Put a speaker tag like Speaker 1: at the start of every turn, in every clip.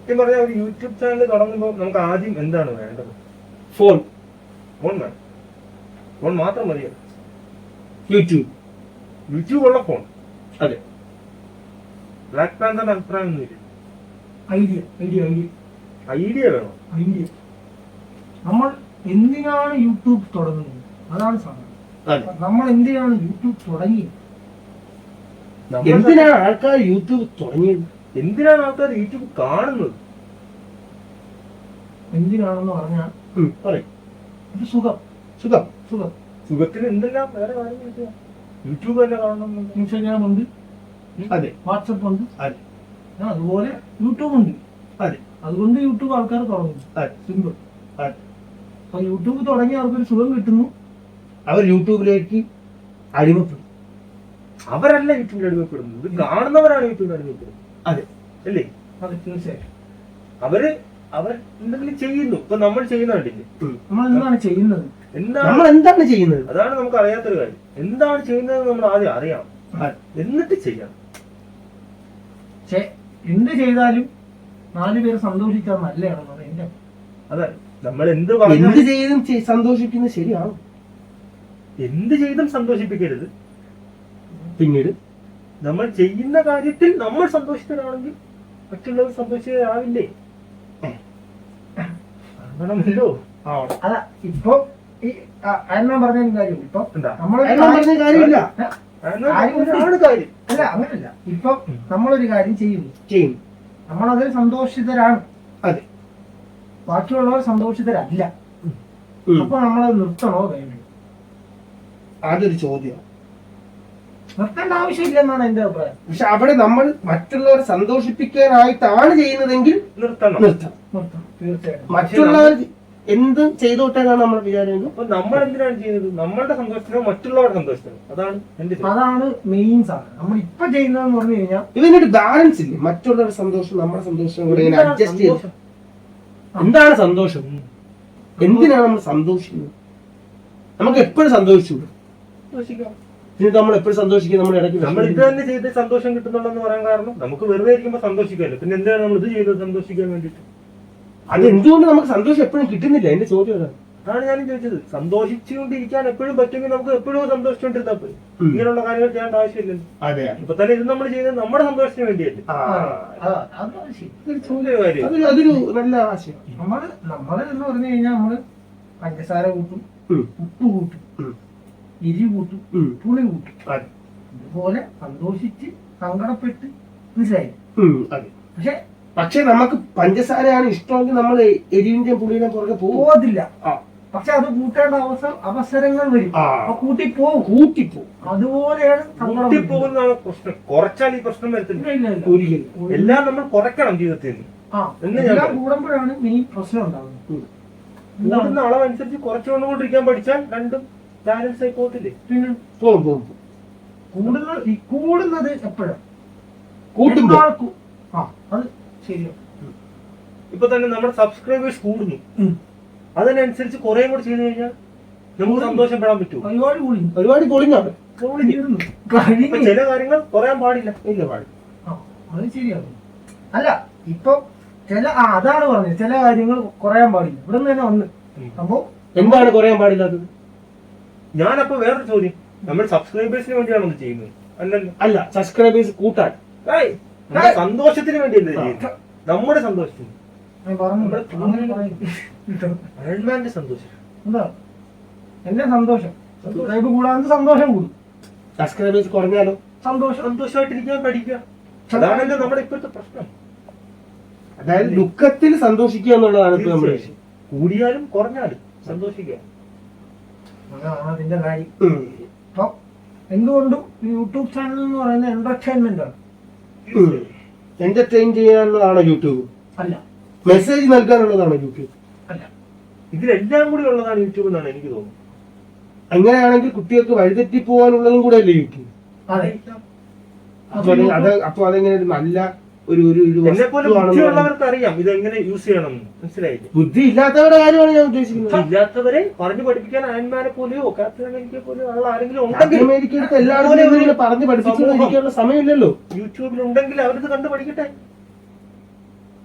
Speaker 1: സത്യം പറഞ്ഞാൽ ഒരു യൂട്യൂബ് ചാനൽ തുടങ്ങുമ്പോൾ നമുക്ക് ആദ്യം എന്താണ് വേണ്ടത്?
Speaker 2: ഫോൺ
Speaker 1: വേണം. ഫോൺ മാത്രം മതിയോ?
Speaker 2: യൂട്യൂബ്
Speaker 1: ഉള്ള ഫോൺ.
Speaker 2: അതെ.
Speaker 1: ബ്ലാക്ക് പാന്തറിന്റെ അഭിപ്രായം ഒന്നുമില്ല. ഐഡിയ വേണം.
Speaker 3: നമ്മൾ എന്തിനാണ് യൂട്യൂബ് തുടങ്ങുന്നത്? അതാണ് സാധനം. നമ്മൾ എന്തിനാണ് യൂട്യൂബ് തുടങ്ങിയത്?
Speaker 2: എന്തിനാണ് ആൾക്കാർ യൂട്യൂബ് തുടങ്ങിയത്?
Speaker 1: എന്തിനാണ് ആൾക്കാർ യൂട്യൂബ് കാണുന്നത്?
Speaker 3: എന്തിനാണെന്ന് പറഞ്ഞാൽ സുഖത്തിന്
Speaker 1: എന്തെല്ലാം വേറെ കാര്യങ്ങൾ യൂട്യൂബ് തന്നെ കാണണം.
Speaker 3: ഇൻസ്റ്റാഗ്രാം ഉണ്ട്,
Speaker 2: അതെ,
Speaker 3: വാട്സപ്പ് ഉണ്ട്,
Speaker 2: അതെ,
Speaker 3: അതുപോലെ യൂട്യൂബ് ഉണ്ട്.
Speaker 2: അതെ,
Speaker 3: അതുകൊണ്ട് യൂട്യൂബ് ആൾക്കാർ തുടങ്ങുന്നു. സിമ്പിൾ. അപ്പൊ യൂട്യൂബ് തുടങ്ങി അവർക്കൊരു സുഖം കിട്ടുന്നു,
Speaker 2: അവർ യൂട്യൂബിലേക്ക് അടിമപ്പെടും.
Speaker 1: അവരല്ല യൂട്യൂബിൽ അടിമപ്പെടുന്നത്, കാണുന്നവരാണ് യൂട്യൂബിൽ അടിമപ്പെടുന്നത്.
Speaker 2: അതെ
Speaker 3: അല്ലേ? അതെ, തീർച്ചയായും.
Speaker 1: അവർ എന്തെങ്കിലും ചെയ്യുന്നു. ഇപ്പൊ നമ്മൾ ചെയ്യുന്ന കണ്ടില്ലേ?
Speaker 3: നമ്മൾ എന്താണ് ചെയ്യുന്നത്?
Speaker 2: എന്താണ് ചെയ്യുന്നത്?
Speaker 1: അതാണ് നമുക്ക് അറിയാത്തൊരു കാര്യം. എന്താണ് ചെയ്യുന്നത് നമ്മൾ ആദ്യം അറിയണം, എന്നിട്ട് ചെയ്യണം.
Speaker 3: എന്ത് ചെയ്താലും 4 പേര് സന്തോഷിച്ചാൽ നല്ലതാണെന്നാണ് എന്റെ.
Speaker 1: അതെ, നമ്മൾ എന്ത്
Speaker 2: ചെയ്തും സന്തോഷിക്കുന്നത് ശരിയാണ്.
Speaker 1: എന്ത് ചെയ്തും സന്തോഷിപ്പിക്കരുത്.
Speaker 2: പിന്നീട്
Speaker 1: നമ്മൾ ചെയ്യുന്ന കാര്യത്തിൽ നമ്മൾ സന്തോഷിതരാണെങ്കിൽ മറ്റുള്ളവർ സന്തോഷിതരാവില്ലേ? ആവണമല്ലോ.
Speaker 3: അതാ ഇപ്പൊ ഈ അണ്ണൻ പറഞ്ഞ കാര്യം. ഇപ്പൊ
Speaker 2: കാര്യമില്ല.
Speaker 3: അല്ല, അങ്ങനല്ല. ഇപ്പൊ നമ്മളൊരു കാര്യം ചെയ്യുന്നു, നമ്മളതിൽ സന്തോഷിതരാണ്.
Speaker 2: അതെ.
Speaker 3: ബാക്കിയുള്ളവർ സന്തോഷിതരല്ല. അപ്പൊ നമ്മളത് നിർത്തണോ വേണ്ടോ?
Speaker 2: അതൊരു ചോദ്യമാണ്.
Speaker 3: നിർത്തേണ്ട ആവശ്യമില്ല എന്നാണ് എന്റെ അഭിപ്രായം.
Speaker 2: പക്ഷെ അവിടെ നമ്മൾ മറ്റുള്ളവരെ സന്തോഷിപ്പിക്കാനായിട്ടാണ് ചെയ്യുന്നതെങ്കിൽ നിർത്തണം.
Speaker 3: തീർച്ചയായും.
Speaker 2: മറ്റുള്ളവർ എന്ത് ചെയ്തോട്ടെന്നാണ് നമ്മൾ വിചാരിക്കുന്നത്.
Speaker 1: അപ്പൊ നമ്മൾ എന്തിനാണ് ചെയ്യുന്നത്? നമ്മളുടെ സന്തോഷത്തിനോ മറ്റുള്ളവരുടെ സന്തോഷത്തിനോ?
Speaker 3: അതാണ് മെയിൻ സാധനം. നമ്മൾ ഇപ്പൊ ചെയ്യുന്നതെന്ന് പറഞ്ഞു കഴിഞ്ഞാൽ
Speaker 2: ഇതിനൊരു ബാലൻസ് ഇല്ലേ? മറ്റുള്ളവരുടെ സന്തോഷം നമ്മുടെ സന്തോഷം കൂടെ ഇങ്ങനെ അഡ്ജസ്റ്റ് ചെയ്ത്. എന്താണ് സന്തോഷം? എന്തിനാണ് നമ്മൾ സന്തോഷിക്കുന്നത്? നമുക്ക് എപ്പോഴും സന്തോഷിച്ചു. പിന്നെ നമ്മൾ എപ്പോഴും സന്തോഷിക്കുക? നമ്മൾ ഇടയ്ക്ക്
Speaker 1: നമ്മൾ ഇത് തന്നെ ചെയ്ത് സന്തോഷം കിട്ടുന്നുണ്ടെന്ന് പറയാൻ കാരണം നമുക്ക് വെറുതെ ഇരിക്കുമ്പോൾ സന്തോഷിക്കാമല്ലോ. പിന്നെ എന്തിനാണ് നമ്മൾ ഇത് ചെയ്തത്? സന്തോഷിക്കാൻ വേണ്ടിട്ട്.
Speaker 2: അത് എന്തുകൊണ്ട് നമുക്ക് സന്തോഷം എപ്പോഴും കിട്ടുന്നില്ല? എന്റെ ചോദ്യം
Speaker 1: അതാണ് ഞാനും ചോദിച്ചത്. സന്തോഷിച്ചുകൊണ്ടിരിക്കാൻ എപ്പോഴും പറ്റുമെങ്കിൽ നമുക്ക് എപ്പോഴും സന്തോഷിച്ചുകൊണ്ടിരുന്നാൽ പോയി. ഇങ്ങനെയുള്ള കാര്യങ്ങൾ ചെയ്യേണ്ട ആവശ്യമില്ലല്ലോ.
Speaker 2: അതെ.
Speaker 1: ഇപ്പൊ തന്നെ ഇത് നമ്മൾ ചെയ്യുന്നത് നമ്മുടെ സന്തോഷത്തിന് വേണ്ടിയല്ലേ?
Speaker 2: അതൊരു നല്ല ആശയം.
Speaker 3: നമ്മള് എന്ന് പറഞ്ഞു കഴിഞ്ഞാൽ നമ്മള് പഞ്ചസാര കൂട്ടും, ഉപ്പ് കൂട്ടും, എരി കൂട്ടും, പുളി കൂട്ടും. അതുപോലെ സന്തോഷിച്ച് സങ്കടപ്പെട്ട് മനസ്സിലായി.
Speaker 2: പക്ഷെ നമുക്ക് പഞ്ചസാരയാണ് ഇഷ്ടമെങ്കിൽ നമ്മൾ എരിവിന്റെ പുളിയുടെ പുറകെ
Speaker 3: പോകത്തില്ല. പക്ഷെ അത് കൂട്ടേണ്ട അവസരങ്ങൾ വരും. കൂട്ടിപ്പോവും. അതുപോലെയാണ്
Speaker 1: കൂട്ടിപ്പോകുന്നതാണ് പ്രശ്നം. കുറച്ചാൽ ഈ പ്രശ്നം വരത്തില്ല. എല്ലാം നമ്മൾ കുറയ്ക്കണം ജീവിതത്തിൽ.
Speaker 3: എല്ലാം കൂടുമ്പോഴാണ് മെയിൻ പ്രശ്നം ഉണ്ടാകുന്നത്.
Speaker 1: കൂടുന്ന അളവനുസരിച്ച് കുറച്ചുകൊണ്ടുകൊണ്ടിരിക്കാൻ പഠിച്ചാൽ രണ്ടും ബാലൻസ് ആയി പോകത്തില്ലേ?
Speaker 3: പിന്നെ കൂടുന്നത് എപ്പോഴാണ്? അത് ശരിയാണ്.
Speaker 1: ഇപ്പൊ തന്നെ നമ്മുടെ സബ്സ്ക്രൈബേഴ്സ് കൂടുന്നു. അതിനനുസരിച്ച് കുറെ കൂടെ ചെയ്ത് കഴിഞ്ഞാൽ നമുക്ക് സന്തോഷപ്പെടാൻ പറ്റും.
Speaker 2: ഒരുപാട് പൊളിഞ്ഞാണ്.
Speaker 1: ചില കാര്യങ്ങൾ കുറയാൻ പാടില്ല.
Speaker 3: അത് ശരിയാണ്. അല്ല, ഇപ്പൊ അതാണ് പറഞ്ഞത്, ചില കാര്യങ്ങൾ കുറയാൻ പാടില്ല. ഇവിടെ നിന്ന് തന്നെ വന്ന് അപ്പൊ
Speaker 2: എന്താണ് കുറയാൻ പാടില്ലാത്തത്?
Speaker 1: ഞാനപ്പോ വേറൊരു ചോദ്യം, നമ്മൾ സബ്സ്ക്രൈബേഴ്സിന് വേണ്ടിയാണോ ഇത് ചെയ്യുന്നത്? അല്ലല്ലോ.
Speaker 2: അല്ല, സബ്സ്ക്രൈബേഴ്സ് കൂട്ടാൻ
Speaker 1: സന്തോഷത്തിന് വേണ്ടിയല്ലേ ചെയ്യുന്നത്? നമ്മുടെ സന്തോഷത്തിന്. അയൺമാന്റെ സന്തോഷം
Speaker 3: എന്താ? എന്റെ സന്തോഷം സബ്സ്ക്രൈബ് കൂടാതെ സന്തോഷം കൂടും.
Speaker 2: സബ്സ്ക്രൈബേഴ്സ് കുറഞ്ഞാലോ
Speaker 1: സന്തോഷമായിട്ടിരിക്കാൻ പഠിക്കുക. അതാണല്ലോ നമ്മുടെ ഇപ്പോഴത്തെ പ്രശ്നം.
Speaker 2: അതായത് ദുഃഖത്തിൽ സന്തോഷിക്കുക എന്നുള്ളതാണ് ഇപ്പൊ നമ്മുടെ വിഷയം.
Speaker 1: കൂടിയാലും കുറഞ്ഞാലും സന്തോഷിക്കുക.
Speaker 3: അതാണ് അതിന്റെ കാര്യം. അപ്പൊ എന്തുകൊണ്ടും യൂട്യൂബ് ചാനൽ എന്ന് പറയുന്നത് എന്റർടൈൻമെന്റ് ആണ്.
Speaker 2: എന്റർടൈൻ ചെയ്യാനുള്ളതാണോ യൂട്യൂബ്?
Speaker 3: അല്ല.
Speaker 2: മെസ്സേജ് നൽകാനുള്ളതാണോ യൂട്യൂബ്?
Speaker 3: അല്ല.
Speaker 1: ഇതിലെല്ലാം കൂടി ഉള്ളതാണ് യൂട്യൂബ് എന്നാണ് എനിക്ക് തോന്നുന്നത്.
Speaker 2: അങ്ങനെയാണെങ്കിൽ കുട്ടികൾക്ക് വഴിതെറ്റി പോകാനുള്ളതും കൂടെ അല്ലേ യൂട്യൂബ്? അപ്പൊ അതെങ്ങനെ നല്ല
Speaker 1: ബുദ്ധിയുള്ളവർക്ക് അറിയാം ഇതെങ്ങനെ യൂസ് ചെയ്യണം. മനസ്സിലായില്ലേ?
Speaker 2: ബുദ്ധി ഇല്ലാത്തവരുടെ കാര്യമാണ് ഞാൻ ഉദ്ദേശിക്കുന്നത്.
Speaker 1: ഇല്ലാത്തവരെ പറഞ്ഞു പഠിപ്പിക്കാൻ അയൺമാനെ പോലെയോ ക്യാപ്റ്റൻ അമേരിക്കയെ പോലെയോ ഉള്ള ആരെങ്കിലും ഉണ്ടെങ്കിൽ
Speaker 2: എല്ലാവരും പറഞ്ഞു പഠിപ്പിച്ചുകൊണ്ടിരിക്കാനുള്ള സമയമില്ലല്ലോ.
Speaker 1: യൂട്യൂബിൽ ഉണ്ടെങ്കിൽ അവരിത് കണ്ടു പഠിക്കട്ടെ.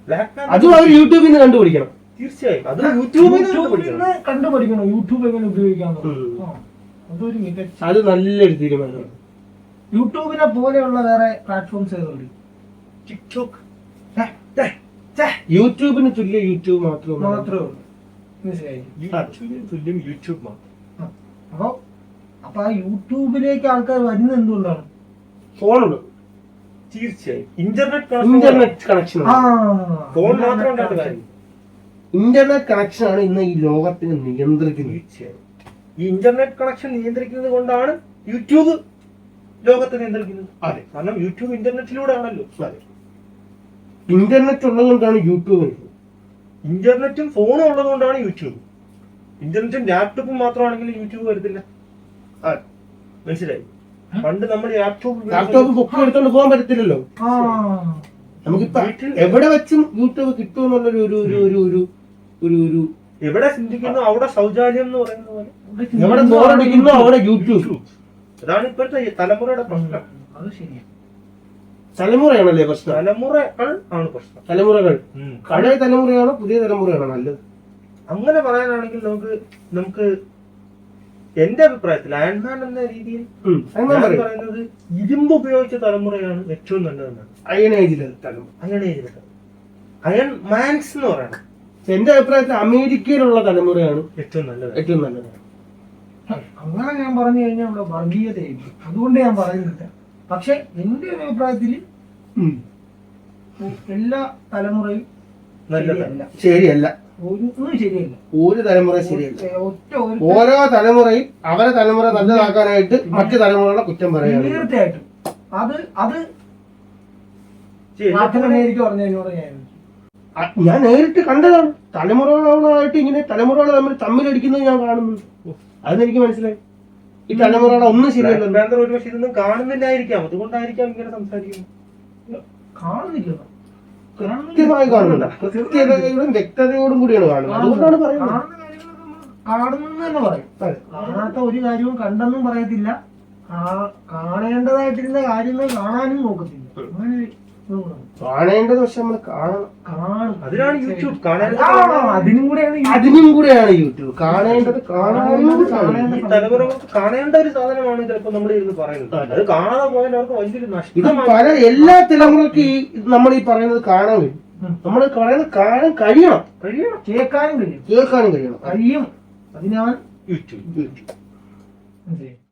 Speaker 2: അതും അവർ യൂട്യൂബിൽ നിന്ന് കണ്ടുപിടിക്കണം.
Speaker 1: തീർച്ചയായും അത് യൂട്യൂബിൽ നിന്ന്
Speaker 3: യൂട്യൂബിൽ കണ്ടുപഠിക്കണം യൂട്യൂബ് എങ്ങനെ ഉപയോഗിക്കാമെന്ന്. അതൊരു മികച്ച,
Speaker 2: അത് നല്ലൊരു തീരുമാനമാണ്.
Speaker 3: യൂട്യൂബിനെ പോലെയുള്ള വേറെ പ്ലാറ്റ്ഫോംസ് ഏതുണ്ട്?
Speaker 1: ടിക്ടോക്ക്
Speaker 2: യൂട്യൂബിന് തുല്യ യൂട്യൂബ് മാത്രമേ
Speaker 3: മാത്രമേ ഉള്ളൂ. മനസ്സിലായി?
Speaker 1: യൂട്യൂബിന് തുല്യം യൂട്യൂബ് മാത്രം.
Speaker 3: അപ്പൊ ആ യൂട്യൂബിലേക്ക് ആൾക്കാർ വരുന്നത് എന്തുകൊണ്ടാണ്?
Speaker 2: ഫോണുണ്ട്.
Speaker 1: തീർച്ചയായും ഇന്റർനെറ്റ്
Speaker 2: കണക്ഷൻ.
Speaker 1: ഫോൺ മാത്രം ഉണ്ടായിട്ട് കാര്യം.
Speaker 2: ഇന്റർനെറ്റ് കണക്ഷൻ ആണ് ഇന്ന് ഈ ലോകത്തിന് നിയന്ത്രിക്കുന്നത്.
Speaker 1: തീർച്ചയായും ഈ ഇന്റർനെറ്റ് കണക്ഷൻ നിയന്ത്രിക്കുന്നത് കൊണ്ടാണ് യൂട്യൂബ് ലോകത്തെ നിയന്ത്രിക്കുന്നത്.
Speaker 2: അതെ,
Speaker 1: കാരണം യൂട്യൂബ് ഇന്റർനെറ്റിലൂടെ ആണല്ലോ.
Speaker 2: അതെ, ഇന്റർനെറ്റ് ഉള്ളതുകൊണ്ടാണ് യൂട്യൂബ്.
Speaker 1: ഇന്റർനെറ്റും ഫോണും ഉള്ളതുകൊണ്ടാണ് യൂട്യൂബ്. ഇന്റർനെറ്റും ലാപ്ടോപ്പും മാത്രമാണെങ്കിൽ യൂട്യൂബ് വരത്തില്ല. മനസ്സിലായി? പണ്ട് നമ്മൾ
Speaker 2: ലാപ്ടോപ്പ് പൊക്കി എടുത്തോണ്ട് പോകാൻ പറ്റത്തില്ലല്ലോ. നമുക്കിപ്പോ എവിടെ വെച്ചും യൂട്യൂബ് കിട്ടുമെന്നുള്ളൊരു ഒരു ഒരു ഒരു ഒരു ഒരു ഒരു
Speaker 1: എവിടെ ചിന്തിക്കുന്നു അവിടെ ശൗചാലയം എന്ന് പറയുന്ന പോലെ
Speaker 2: എവിടെ ബോറടിക്കുന്നു അവിടെ യൂട്യൂബ്.
Speaker 1: അതാണ് ഇപ്പോഴത്തെ തലമുറയുടെ പ്രശ്നം.
Speaker 3: അത് ശരിയാണ്.
Speaker 2: തലമുറയാണല്ലേ പ്രശ്നം.
Speaker 1: തലമുറകൾ ആണ് പ്രശ്നം.
Speaker 2: തലമുറകൾ പഴയ തലമുറയാണോ പുതിയ തലമുറയാണോ നല്ലത്?
Speaker 1: അങ്ങനെ പറയാനാണെങ്കിൽ നമുക്ക് എന്റെ അഭിപ്രായത്തിൽ അയൺമാൻ എന്ന രീതിയിൽ ഞാൻ പറയുന്നത് ഇരുമ്പ് ഉപയോഗിച്ച തലമുറയാണ് ഏറ്റവും നല്ലതെന്നാണ്.
Speaker 2: അയൺ ഏജിലെ തലമുറ,
Speaker 1: അയൺ മാൻസ് എന്ന് പറയണം.
Speaker 2: എന്റെ അഭിപ്രായത്തിൽ അമേരിക്കയിലുള്ള തലമുറയാണ്
Speaker 1: ഏറ്റവും നല്ലത്.
Speaker 2: ഏറ്റവും നല്ലത്.
Speaker 3: അങ്ങനെ ഞാൻ പറഞ്ഞു കഴിഞ്ഞാൽ ഇവിടെ വർഗീയതയായിരിക്കും. അതുകൊണ്ട് ഞാൻ പറയുന്നില്ല. പക്ഷെ എന്റെ ഒരു അഭിപ്രായത്തിൽ എല്ലാ തലമുറയും
Speaker 1: നല്ലതല്ല,
Speaker 2: ശരിയല്ല.
Speaker 3: ഒന്നും ശരിയല്ല.
Speaker 2: ഒരു തലമുറ ശരിയല്ല.
Speaker 3: ഓരോ
Speaker 2: തലമുറയും അവരെ തലമുറ നല്ലതാക്കാനായിട്ട് മറ്റു തലമുറകളെ കുറ്റം പറയുകയാണ്.
Speaker 3: തീർച്ചയായിട്ടും അത് അമേരിക്ക പറഞ്ഞതിനോട്
Speaker 2: ഞാൻ നേരിട്ട് കണ്ടതാണ്. തലമുറകളായിട്ട് ഇങ്ങനെ തലമുറകൾ തമ്മിലടിക്കുന്നത് ഞാൻ കാണുന്നുണ്ട്. അതെനിക്ക് മനസ്സിലായി. ഈ തലമുറകളെ ഒന്നും ശരിയല്ല.
Speaker 1: ഒരുപക്ഷെ ഇതൊന്നും കാണുന്നില്ലായിരിക്കാം, അതുകൊണ്ടായിരിക്കാം ഇങ്ങനെ സംസാരിക്കുന്നത്.
Speaker 3: കാണുന്നില്ല,
Speaker 2: കൃത്യമായി കാണുന്നുണ്ട്. കൃത്യതയോടും വ്യക്തതയോടും കൂടിയാണ് കാണുന്നത്. അതുകൊണ്ടാണ് പറയുന്നത്.
Speaker 3: കാണുന്നെന്ന് തന്നെ പറയും. കാണാത്ത ഒരു കാര്യവും കണ്ടെന്നും പറയത്തില്ല. കാണേണ്ടതായിട്ടിരുന്ന കാര്യങ്ങൾ കാണാനും നോക്കത്തില്ല. അങ്ങനെ
Speaker 2: കാണേണ്ടത് പക്ഷെ നമ്മൾ കാണണം.
Speaker 1: അതിനാണ് യൂട്യൂബ്
Speaker 2: അതിനും കൂടെയാണ് യൂട്യൂബ് കാണേണ്ടത്.
Speaker 1: തലമുറകൾക്ക് കാണേണ്ട ഒരു സാധനമാണ് ചിലപ്പോൾ നമ്മൾ ഇരുന്ന് പറയുന്നത്. അത് കാണാതെ പോയാൽ അവർക്ക് വലിയൊരു നഷ്ടം.
Speaker 2: ഇത് പല എല്ലാ തലമുറക്ക് നമ്മൾ ഈ പറയുന്നത് കാണാൻ കഴിയും. നമ്മൾ പറയുന്നത് കാണാൻ കഴിയണം,
Speaker 3: കേൾക്കാനും
Speaker 2: കേൾക്കാനും കഴിയണം.
Speaker 3: കഴിയും. അതിനാണ്
Speaker 2: യൂട്യൂബ്.